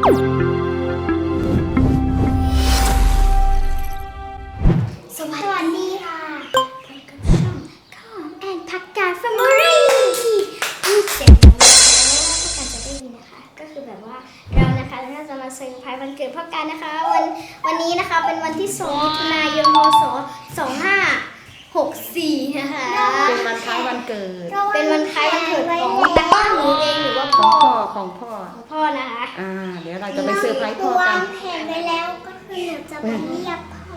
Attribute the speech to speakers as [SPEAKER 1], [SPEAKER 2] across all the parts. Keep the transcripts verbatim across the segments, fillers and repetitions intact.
[SPEAKER 1] สวัสดีค่ะพบกับช่องข้าวหอมแอนผักกาดแฟมิลี่ที่เสียงของเราแล้วพ่อการจะได้ยินนะคะก็คือแบบว่าเรานะคะเราจะมาเซอร์ไพรส์วันเกิดพ่อการนะคะวันวันนี้นะคะเป็นวันที่สองมิถุนายนพศสองห้าหกสี่นะคะ
[SPEAKER 2] เป็นวันคล้ายวันเกิด
[SPEAKER 1] เป็นวันคล้ายวันเกิดของตาต้าหนูเองหรือว่า
[SPEAKER 2] ข
[SPEAKER 1] พ่
[SPEAKER 2] อ
[SPEAKER 1] อง
[SPEAKER 2] พ่อของพ่อ
[SPEAKER 1] ของพ่อนะคะ
[SPEAKER 2] อ่าเดี๋ยวเราจะไปเซอร์ไพรส์พ่อกัน
[SPEAKER 1] วางแผนไว้แล้วก็คือหนูจะไปเรียกพ่อ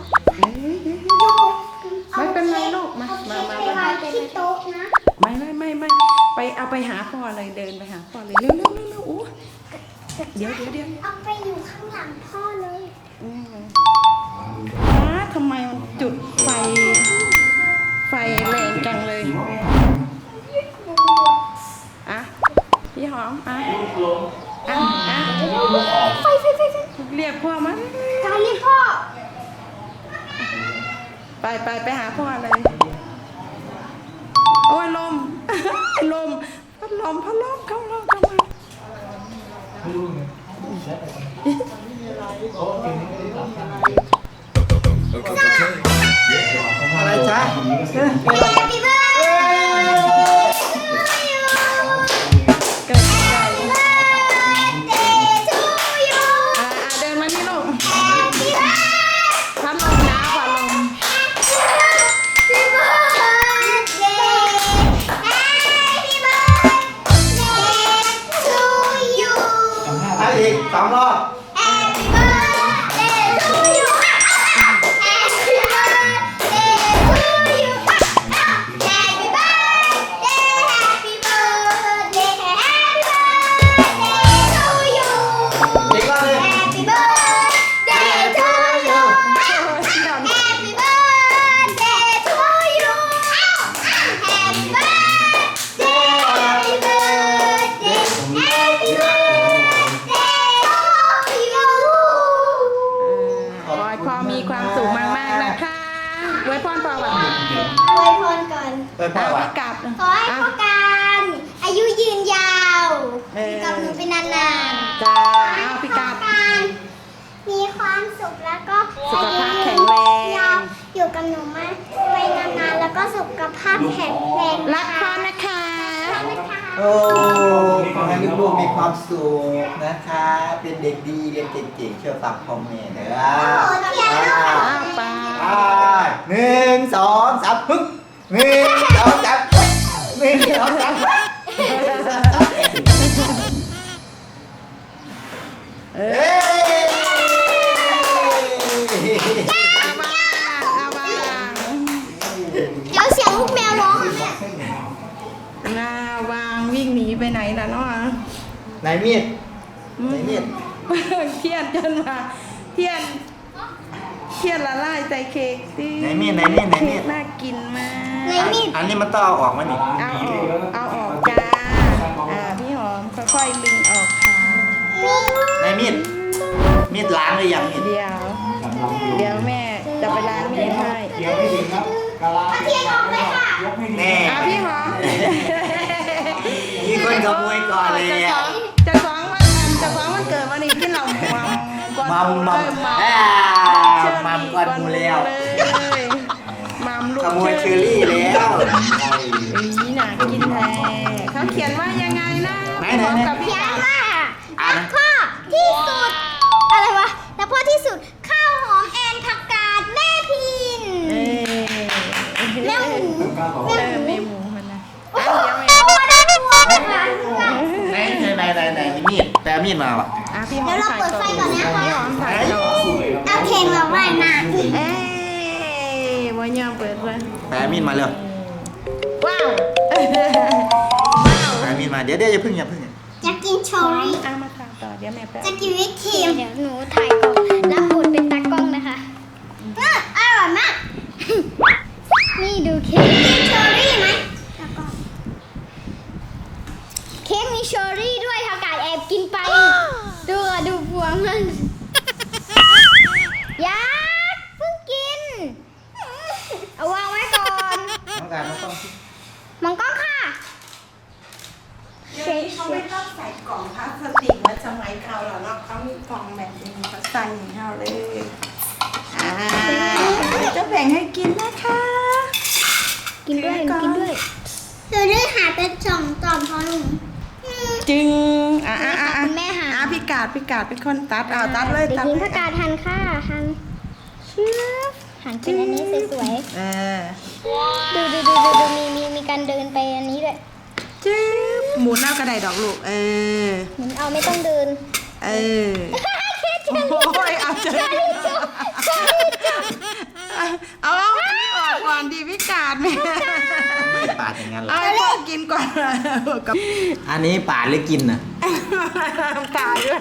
[SPEAKER 2] ไม่เป็นไรลูกมามามา
[SPEAKER 1] ไปวางที่โต๊ะนะ
[SPEAKER 2] ไม่ไม่ไม่ไม่ไปเอาไปหาพ่อเลยเดินไปหาพ่อเลยเร็วเร็วเร็วเร็วโอ้เดี๋ยวเดี๋ยวเดี๋ยว
[SPEAKER 1] เอาไปอยู่ข้างหลังพ่อเลย
[SPEAKER 2] อ้าทำไมมันจุดไฟไฟแรงจังเลยอ่ะพี่หอมอ่ะอ่ะอ่ะ
[SPEAKER 1] ไฟไฟไฟไฟ
[SPEAKER 2] เรียกพ่อมา
[SPEAKER 1] การเรียกพ่อ
[SPEAKER 2] ไปไปไปหาพ่อเลยโอ้ยลม ลมพัดลมพัดลมเข้าลมเข้ามา
[SPEAKER 3] อะไรจ๊ะ
[SPEAKER 1] Happy birthday
[SPEAKER 2] เกิดอะไร
[SPEAKER 1] to you
[SPEAKER 2] อ่าเดินมานี่ลูก
[SPEAKER 1] Happy birthday
[SPEAKER 2] พัดลมนะพัดลม
[SPEAKER 1] Happy birthday Happy birthday to you
[SPEAKER 3] ให้อีกสองรอบ
[SPEAKER 1] Happy birthday to you Happy birthday to you Happy birthday Happy birthday Happy birthday to you
[SPEAKER 3] อีกรอบเลย
[SPEAKER 1] Happy birthday to you Happy birthday to you Happy birthday Happy birthday Happy birthday to you
[SPEAKER 2] ขอให้พ่อมีความสุขมากๆนะคะไว้พรพ่อแบบ
[SPEAKER 1] อวยพรก่อน
[SPEAKER 3] เปิดพ่อ
[SPEAKER 2] เอา
[SPEAKER 3] วะ
[SPEAKER 2] ไปกลับ
[SPEAKER 1] ขอให้พ่อการอายุยืนยาว
[SPEAKER 2] เออ
[SPEAKER 1] กับหนูเป็นนานๆ
[SPEAKER 2] จ้าเอาพี่กลับ
[SPEAKER 1] การมีความสุขแล้วก็
[SPEAKER 2] สุขภาพแข็งแรง
[SPEAKER 1] ยาวอยู่กับหนูมาไปนานๆแล้วก็สุขภาพแข็งแรง
[SPEAKER 2] รักพ่อนะคะ
[SPEAKER 1] นะคะ
[SPEAKER 3] โอ้ขอให้ลูกๆมีความสุขนะคะ เป็นเด็กดีเรียนเก่งๆเชื่อฟังพ่อแม่เด้อ
[SPEAKER 1] โอ้เทียนแล้ว
[SPEAKER 2] อ้าวไป
[SPEAKER 3] อ่าหนึ่งสองสามปึ๊บหนึ่งสองสามปึ๊บหนึ่งสองสามปึ๊บ
[SPEAKER 2] เอ
[SPEAKER 3] เอ้
[SPEAKER 2] อยเอามาเอามา
[SPEAKER 1] เดี๋ยวเสียงลูกแมวร้องอ่ะแม่
[SPEAKER 2] หน้าวางวิ่งหนีไปไหนล่ะเนาะ
[SPEAKER 3] ไหนมีดไหนมีด
[SPEAKER 2] เทียนจนมาเทียนเทียนละลายใส่เค้กสิ
[SPEAKER 3] ไหนมีดไหนมีดไหนมี
[SPEAKER 2] เค้
[SPEAKER 3] ด
[SPEAKER 2] กน่ากินมาก
[SPEAKER 1] ในมีด
[SPEAKER 3] อันนี้มันต้องเอาออกมานี่
[SPEAKER 2] เอาออกเอาออกจ้าอ่าพี่หอมค่อยๆลึงออกค่ะ
[SPEAKER 3] ไหนมีดมีดล้างหรือยังมีด
[SPEAKER 2] เดี๋ยว เดี๋ยวแม่จะไปล้างมีดให้
[SPEAKER 1] เอาเทียนออกเลยค่ะ
[SPEAKER 3] แน่
[SPEAKER 2] อ่ะพี่หอม
[SPEAKER 3] มีคนขโมยก่อนเลย
[SPEAKER 2] จะ
[SPEAKER 3] อ่ะ
[SPEAKER 2] ฟ้องจะฟ้องวันจะฟ้องวันเกิดวันนี้ที่เรามัมก่อน
[SPEAKER 3] มัมมัม
[SPEAKER 2] เออมัม
[SPEAKER 3] อ่า
[SPEAKER 2] เชอรี่
[SPEAKER 3] มัมก่อนหมูแล้ว
[SPEAKER 2] เลยมัมลูก
[SPEAKER 3] ขโมยเชอรี่แล้ว
[SPEAKER 2] อีน่ากินแท้เขาเขียนว่ายังไงนะ
[SPEAKER 3] ไหน
[SPEAKER 2] พี่หอม
[SPEAKER 3] ไหน
[SPEAKER 2] กับพี่
[SPEAKER 1] เขีย
[SPEAKER 2] กาน บ
[SPEAKER 1] ว่า
[SPEAKER 3] อ่าน
[SPEAKER 1] รั
[SPEAKER 3] นะ
[SPEAKER 1] กพ่อที่สุด อะไรวะรักพ่อที่สุดข้าวหอมแอนผักกาดแม่พิน
[SPEAKER 2] เอ้ย
[SPEAKER 1] แม่หมู
[SPEAKER 2] เออแม่หมูมันนะ
[SPEAKER 1] โอ้
[SPEAKER 2] อ่ะ
[SPEAKER 1] โห
[SPEAKER 2] เดี๋ยวแม่
[SPEAKER 1] ตัวได้ตัวนะคะ
[SPEAKER 3] ไหนไหนไหนไหนไหนมีดแต่มีดมาว่ะ
[SPEAKER 2] อ่ะพี่หอ
[SPEAKER 1] เดี๋ย
[SPEAKER 2] ม
[SPEAKER 1] วเรา
[SPEAKER 2] ถ่าย
[SPEAKER 1] เปิด
[SPEAKER 2] ต่อ
[SPEAKER 1] ไฟก่อนนะคะ
[SPEAKER 2] พี่หอมถ่ายต่อ
[SPEAKER 1] เอาเพลงมาไว้หน้า
[SPEAKER 2] เอ้ยวันยอมเปิดเลย
[SPEAKER 3] แต่มีดมาเร็ว
[SPEAKER 2] ว้าวว้าว
[SPEAKER 3] แต่มีดมาเดี๋ยวเดี๋ยวอย่าเพึ่งอย่าเพึ่ง
[SPEAKER 1] จะกินโชอรี่
[SPEAKER 2] เอามาถ่ายต่อเดี๋ยวแม่แป๊บ
[SPEAKER 1] จะกินวิปครีมเดี๋ยวหนูถ่ายก่อนรับบทเป็นตากล้องนะคะอืมอร่อยมาก นี่ดูเค้กกินโชอรี่ไหมตากล้องเค้กมีโชอรี่ด้วยค่ะกาดแอบกินไป ดูอ่ะดูพวงมันยักษ์เพิ่งกิน เอาวางไว้ก่อน
[SPEAKER 3] ต้องการต้องต้อง
[SPEAKER 1] มองกล้องค่ะเค้ก
[SPEAKER 2] เขาไม่ต้องใส่กล่องพลาสติกเหมือนสมัยเขาหรอกเนาะเขามีกล่องแบบนี้เขาใส่ให้เราเลยอ่าเดี๋ยวจะแบ่งให้กินนะคะ
[SPEAKER 1] กินด้วยกินด้วยเดี๋ยวด้วยหาเป็นสองตอนพอหนู
[SPEAKER 2] จึงอ่ะอ่ะอ่ะ
[SPEAKER 1] คุณแม่หา
[SPEAKER 2] อ่ะพี่กาดพี่กาดเป็นคนตัดเอาตัดเลย
[SPEAKER 1] เด็ก
[SPEAKER 2] ตัด
[SPEAKER 1] หญิง
[SPEAKER 2] เล
[SPEAKER 1] พ
[SPEAKER 2] ย
[SPEAKER 1] กาทันค่ะทันเชื่อหันเป็นอันนี้สวย
[SPEAKER 2] เออ
[SPEAKER 1] ๆดูดูดูดูดูมีมีมีการเดินไปอันนี้ด้วย
[SPEAKER 2] จึ๊บหมุนเอากระไดดอกลูกเออ
[SPEAKER 1] เหมือนเอาไม่ต้องเดิน
[SPEAKER 2] เออโอ้ยเอาเจอเอาเอาอันนี้ออกก่อนดีพี่กาดแม่
[SPEAKER 3] ไม่ปาดอย่างนั้นหรอ
[SPEAKER 2] เอาให้พ่อกินก่อนกับ
[SPEAKER 3] อันนี้ปาดหรือกินน่ะ
[SPEAKER 2] กาดด้วย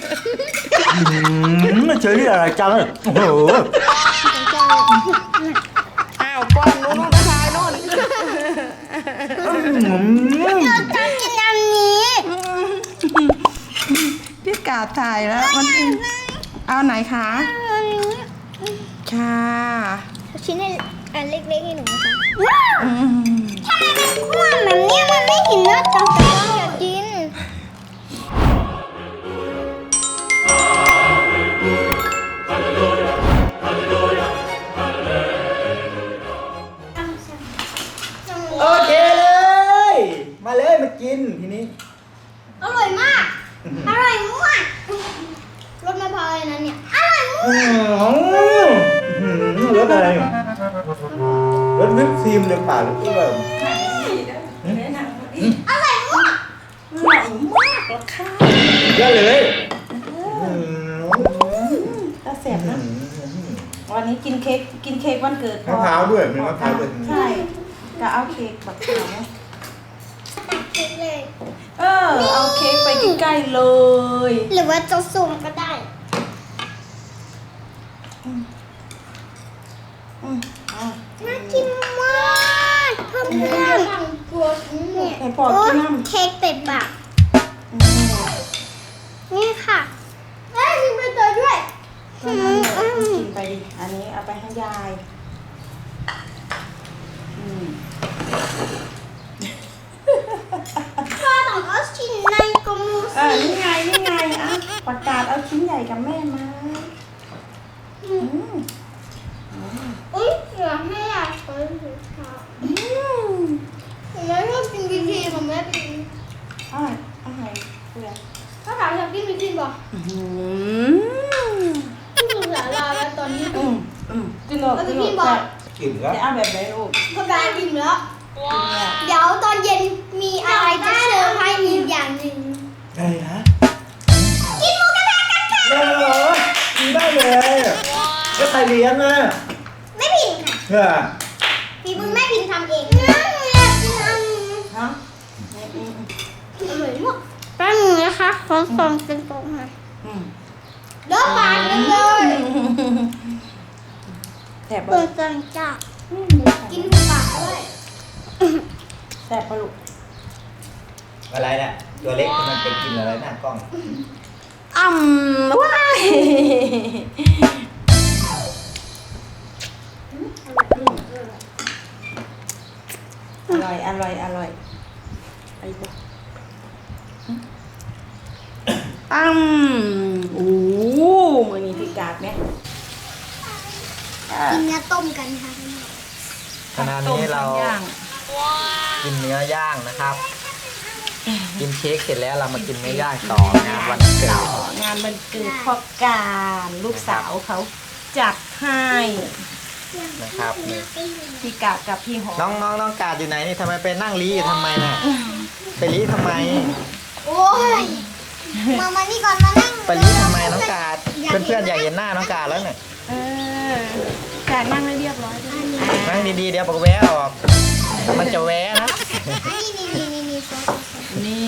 [SPEAKER 3] เฉยอะไรจังโอ้โห
[SPEAKER 2] อ้าวป้อนนู้นนู้นกระชายนู้น
[SPEAKER 1] เราจะกินอันนี้
[SPEAKER 2] พี่กาดถ่ายแล้วมันเอาไหนคะค่ะ
[SPEAKER 1] ชิ้นให้อันเล็กๆให้หนูนะคะ
[SPEAKER 2] อืม
[SPEAKER 1] ทำไมมันคว่ำแบบนี้มันไม่เห็นเนื้อจังแต่ต้องอยากกิน
[SPEAKER 3] โอเคเลย มาเลยมากินทีนี้
[SPEAKER 1] อร่อยมาก อร่อยมากรสมะพร้าวเลยนะเนี่ย อร่อยมาก
[SPEAKER 3] อืมรสอะไรรสวิปครีมหรือเปล่าหรือเปล่า
[SPEAKER 1] อร่อยมาก
[SPEAKER 2] อร่อยมากแล้วค่ะ
[SPEAKER 3] เยอะเลย
[SPEAKER 2] ถ้าเสร็จนะวันนี้กินเค้กกินเค้กวันเกิด
[SPEAKER 3] มะพร้าวด้วยมีมะพร้าวด้วย
[SPEAKER 2] ใช่ก็เอาเค้กบักขาว
[SPEAKER 1] ตัดเค้กเลย
[SPEAKER 2] เออเอาเค้กไปใกล้ๆเลย
[SPEAKER 1] หรือว่าจะสุ่มก็ได้
[SPEAKER 2] อืมเอา
[SPEAKER 1] น่ากินมากเพื่อนเพื่อนกลัวเนี่ย
[SPEAKER 2] ให้พ่อกินน้ำ
[SPEAKER 1] เค้กเป็ดปาก
[SPEAKER 2] อืม
[SPEAKER 1] นี่ค่ะเอ้ยมีใบเตยด้วย
[SPEAKER 2] ก็นั่นแหละกินไปดิ อันนี้เอาไปให้ยายอืม
[SPEAKER 1] พ่อต้องเอาชิ้นในกระมู
[SPEAKER 2] เออ
[SPEAKER 1] สิ
[SPEAKER 2] นี่ไง นี่ไงอ่ะประกาศเอาชิ้นใหญ่กับแม่มาอืม
[SPEAKER 1] อุ้ยอยากให้อยากกินค่ะ
[SPEAKER 2] อืม
[SPEAKER 1] ผมไม่ชอบกินบีทีผมไม่กิน
[SPEAKER 2] อ่ะเอาให้เพื่อน
[SPEAKER 1] ถ้าถามอยากกินบีทีบอก
[SPEAKER 2] อืม
[SPEAKER 1] พี่สุสาราแล้วตอนนี้
[SPEAKER 2] อืมอืมกินหรอก
[SPEAKER 1] แล้ว
[SPEAKER 2] กิน
[SPEAKER 1] พี่
[SPEAKER 2] หรอก
[SPEAKER 1] บอก
[SPEAKER 3] กินแล้ว
[SPEAKER 2] จะเอาแบบไหนลูก
[SPEAKER 1] พอกายกินแล้ว เดี๋ยวตอนเย็นมีอะไรจะเซอร์ไพรส์อีกอย่างหนึ่ง
[SPEAKER 3] อะไรฮะ
[SPEAKER 1] กินหมูกระทะกันค่ะ
[SPEAKER 3] ได้เหรอกินได้เลยก็ใครเลี้ยงอ่ะ
[SPEAKER 1] ไม่ผิดค่ะ
[SPEAKER 3] เออ
[SPEAKER 1] ฝีมือแม่พิมพ์ทำเองนะอยากกินอันนี้
[SPEAKER 2] ฮะอืมอืม
[SPEAKER 1] อร่อยมากแป้งมือนะคะของฟองเป็นฟองค่ะ
[SPEAKER 2] อืม
[SPEAKER 1] เลิกปากกันเลย
[SPEAKER 2] แสบ
[SPEAKER 1] เปิ
[SPEAKER 2] ปะ
[SPEAKER 1] ดจังจ้ากินปากด้วย
[SPEAKER 2] แสบปะลูก
[SPEAKER 3] อะไรเนี่ยตัวเล็กมันไปกินอะไรหน้ากล้อง
[SPEAKER 2] อ่ำว้ายอร่อย อร่อย อร่อยไปบุกอ้ำโอ้มือนี้พิกาดไหมอ่ะ
[SPEAKER 1] กินเนื้อต้มกันค่ะ
[SPEAKER 3] ขณะนี้เรา
[SPEAKER 2] ต้มย่าง
[SPEAKER 3] กินเนื้อย่างนะครับ กินเค้กเสร็จแล้วเรามากินเนื้อย่างต่องานวันเกิด
[SPEAKER 2] งานวันเกิดพ่อการลูกสาวเขาจัดให้
[SPEAKER 3] นะครับนี่
[SPEAKER 2] พี่กาดกับพี่หอม
[SPEAKER 3] น้องน้องน้องกาดอยู่ไหนนี่ทำไมไปนั่งรีอยู่ทำไมน่ะไปรีทำไม
[SPEAKER 1] โอ้ยมามานี่ก่อนมานั่ง
[SPEAKER 3] ไปรีทำไมน้องกาดเพื่อนๆอยากเห็นหน้าน้องกาดแล้วเนี่ย
[SPEAKER 2] เออกาดนั่งให้เรียบร้อยด้วย
[SPEAKER 3] นั่งดีๆเดี๋ยวบอกแวะออกมันจะแวะนะ
[SPEAKER 1] นี่นี่นี่นี่นี่ซอส
[SPEAKER 2] นี่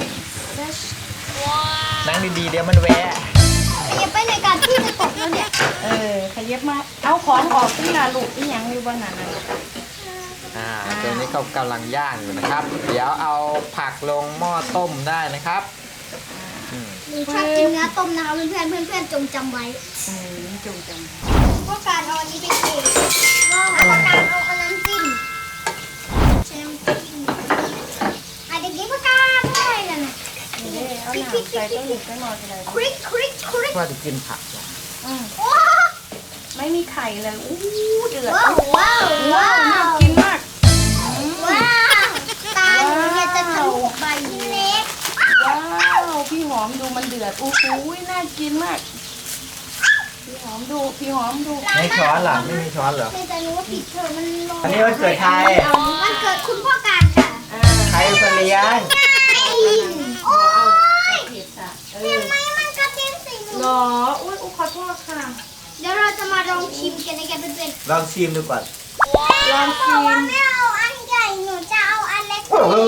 [SPEAKER 3] นั่งดีๆเดี๋ยวมันแวะ
[SPEAKER 1] อย่าไปในการที่จะตกแล้วเนี่ย
[SPEAKER 2] เออขยับมาเอาของออกที่นาลูกที่ยังอยู่บ้านนั้นนะ
[SPEAKER 3] อ่าตัวนี้ก็กำลังย่างอยู่นะครับ เดี๋ยวเอาผักลงหม้อต้มได้นะครับอืม
[SPEAKER 1] หนูชอบกินเนื้อต้มนะคะเพื่อนเพื่อนเพื่อนๆจงจำไว้
[SPEAKER 2] เออจงจ
[SPEAKER 1] พวกการเอาอันนี้ไปเองแล้วพวกการเอาอันนั้นจิ้มใช้น้ำจิ้มอ่ะเด็กๆพวกการด้วยนั่นน่ะ
[SPEAKER 2] เด้เอาหนาใส่ต้นหนึ่งก็นอนอะไร
[SPEAKER 1] คริกคริกคริก
[SPEAKER 3] ว่าจะกินผักเหรอ
[SPEAKER 1] ว้าว
[SPEAKER 2] ไม่มีไข่เลยอู้เดือด
[SPEAKER 1] ว้าวว้าว
[SPEAKER 2] ว้าวน่ากินมาก
[SPEAKER 1] ว้าวตาหนูเนี่ยจะทะลุใบเล็ก
[SPEAKER 2] ว้าวพี่หอมดูมันเดือดอู้หูน่ากินมากพี่หอมดูพี่หอมดู
[SPEAKER 3] ไม่ช้อนเหรอไม่มีช้อนเหรอ
[SPEAKER 1] เคยจะรู้ว่าผิดเธอมันลง
[SPEAKER 3] อันนี้วันเกิดใคร
[SPEAKER 1] วันเกิดคุณพ่อการค่ะ
[SPEAKER 2] อ่า
[SPEAKER 3] ใครเป็นคนเลี้ยง
[SPEAKER 1] โอ้ย
[SPEAKER 2] เผ็ดอ่ะเอ
[SPEAKER 1] เห็
[SPEAKER 2] อน
[SPEAKER 1] ไหมมันกระเทียมสีเหลื
[SPEAKER 2] หร
[SPEAKER 1] อง
[SPEAKER 2] ออุ้ยอุ้ขอโทษค่ะ
[SPEAKER 1] เดี๋ยวเราจะมาลองชิมกันในกันเป็น
[SPEAKER 3] ลองชิมดูก่อน
[SPEAKER 2] ลอง
[SPEAKER 1] ๆบ
[SPEAKER 2] ชิ
[SPEAKER 1] อกว่าม ไม่เอาอันใหญ่หนูจะเอาอันเล็ก
[SPEAKER 3] โอ้โห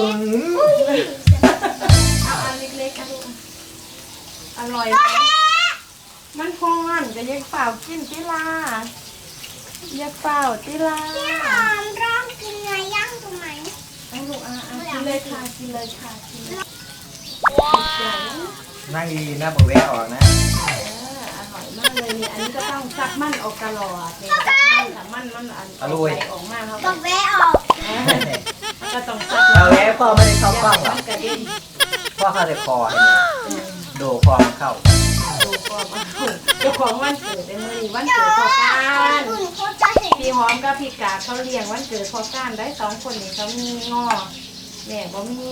[SPEAKER 2] เอาอันเล็กๆอ่ะลูกอร่อยไหมมันพอนจะยังเปล่ากินติลาอยาเปล่าติลา
[SPEAKER 1] พี่หอมลองกินเนื้อย่างดูไหม
[SPEAKER 2] เอาลูกอ่ะอ่ะกินเลยค่ะกินเลยค่ะกินเลยใหญ่
[SPEAKER 3] นั่งดีๆนะบอกแวะออกนะ
[SPEAKER 2] เอออร่อยมากเลยนี่อันนี้ก็ต้องซักมันออกตลอดเนี่ยซักมันซักมันมันอันออกไปออกมาเขา
[SPEAKER 1] บอกแวะออก
[SPEAKER 2] ก็ต้องซัก
[SPEAKER 3] เอาแวะพ่อไม่ได้เข้ากล้องหรอ
[SPEAKER 2] มันกระเด็น
[SPEAKER 3] พ่อเข้าแต่คอให้เนี่ยโดคอมันเข้า
[SPEAKER 2] ดูก่อนว่าเจ้าของวันเกิดในมือนี้วันเกิดพอการ
[SPEAKER 1] อุ่นเขาจะเห็น
[SPEAKER 2] พี่หอมกับพี่กาเขาเลี้ยงวันเกิดพอการได้สองคนนี่เขามีงอแม่บ่มี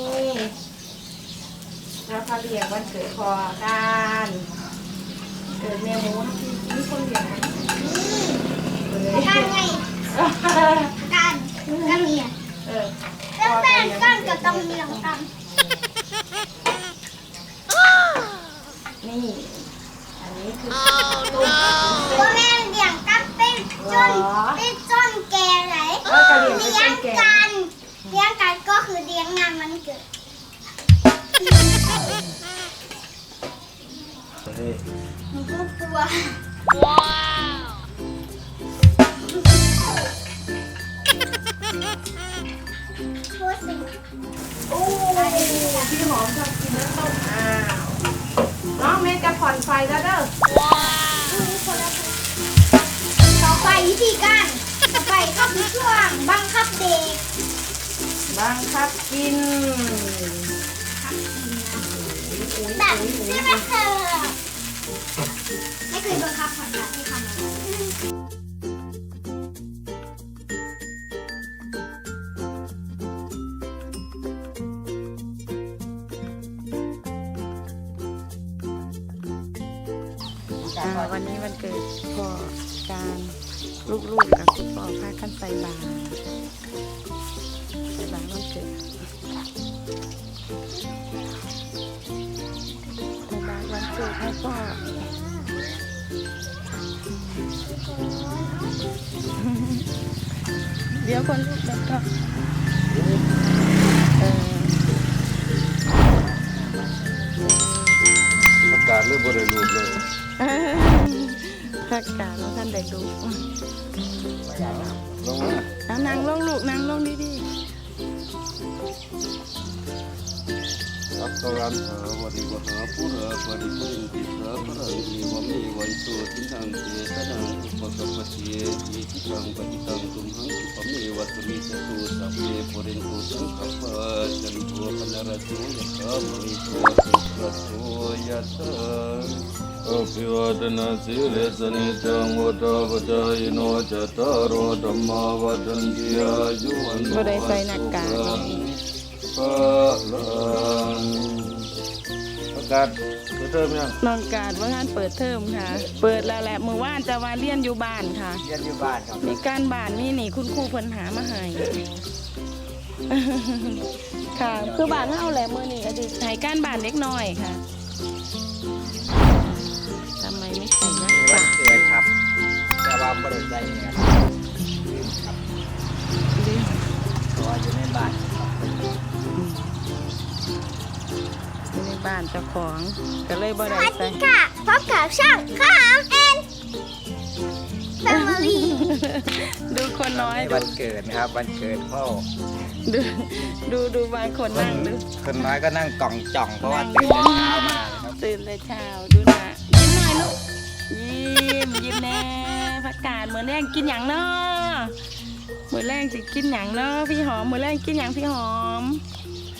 [SPEAKER 2] แล้วเขาเลี้ยงวันเกิดพอการเกิดแม่หมูที่มีคนเลี้ยงเลย
[SPEAKER 1] การไงการกันเนี่ย
[SPEAKER 2] เออ
[SPEAKER 1] แล้วแม่กันก็ต้องมีหลังกัน
[SPEAKER 2] นี่ อันนี้คือ
[SPEAKER 1] ว่าแม่เลี้ยงกันเป็นจนเป็นจนแก่ไหน
[SPEAKER 2] เออกระเลี้ยงเป็น
[SPEAKER 1] เลี้ยง
[SPEAKER 2] แก่
[SPEAKER 1] กันเลี้ยงกันก็คือเลี้ยงงานมันเกิด
[SPEAKER 3] เฮ้ย
[SPEAKER 1] หนูก็กลัวพูดสิ
[SPEAKER 2] โอ้พี่หอมชอบกินน้ำต้มอ้าวน้องเมย์จะผ่อนไฟแล้วเด้อ
[SPEAKER 1] ต่อไปวิธีการต่อไปก็คือช่วงบังคับเด็ก
[SPEAKER 2] บังคับกิน
[SPEAKER 1] แบบที่ไม่เคยไม่เคยบังคับผ่อนแบบให้ทำอะไร
[SPEAKER 2] อ่าวันนี้วันเกิดพ่อการลูกๆกับคุณพ่อพากันใส่บาตรใส่บาตรวันเกิดใส่บาตรวันเกิดให้พ่อเดี๋ยวคนลูกแล้วก็เออ
[SPEAKER 4] อากาศเริ่มบริรูปเลย
[SPEAKER 2] พักการแล้วท่านได้ดู
[SPEAKER 4] ลงมา
[SPEAKER 2] เอานางลงลูกนางลงดี
[SPEAKER 4] อัตตรันหาวริวหาปุระปริปุริติสาพระอิวมีวัยโสตินังเจตนังอุปสัมปติอิทิตังปฏิตังตุมหังสุปเมวัตมิจตุสัพเพปุเรนตุสังขปะจันโทปนรโสยะถามณิโชติระโสยะถาอภิวาทนาสิเลสนิจังวุฒาปจายโนจตารโอธรรมาวัฏันติอายุวันโน
[SPEAKER 2] ๆบ่ได้ใส่หน้ากาก
[SPEAKER 4] พลังอากาศเติมยัง
[SPEAKER 2] น้องการว่างานเปิดเทอมค่ะ เปิดแล้วแหละเมื่อวานจะมาเรียนอยู่บ้านค่ะ
[SPEAKER 3] เรียนอยู่บ้านครับ
[SPEAKER 2] มีการบ้านมีนี่คุณครูเพิ่นหามาให้ ค่ะ คือบ้านเฮาแหละมื้อนี้ก็สิให้การบ้านเล็กน้อยค่ะทำไมไม่ใส่หน้า
[SPEAKER 3] มีวั
[SPEAKER 2] กาน ก
[SPEAKER 3] เกิดครับ แต่ว่าไม่ได้ใจเนี่ยครับเพราะว่าอยู่ในบ้านครับ
[SPEAKER 2] อยู่ในบ้านเจ้าของก็เลยบ่
[SPEAKER 1] ส
[SPEAKER 2] ได้
[SPEAKER 1] วัส
[SPEAKER 2] ใส่
[SPEAKER 1] ดีค่ะพบกับช่างข้าวแอนแฟมิลี่
[SPEAKER 2] ดูคนน้อย
[SPEAKER 3] ใน
[SPEAKER 2] ดู
[SPEAKER 3] วันเกิดนะครับวันเกิดพ่อ
[SPEAKER 2] ดูดูดูบางคนนั่งดู
[SPEAKER 3] คนน้อยก็นั่งกล่องจ่องเพราะว่าตื่นแต่เช้ามานะครับ
[SPEAKER 2] ตื่นแต่เช้าดูนะยิ้มหน่อยลูกยิ้มยิ้มแน่พักกาดเหมือนแรงกินอย่างเนาะเหมือนแรงสิกินอย่างเนาะพี่หอมเหมือนแรงกินอย่างพี่หอม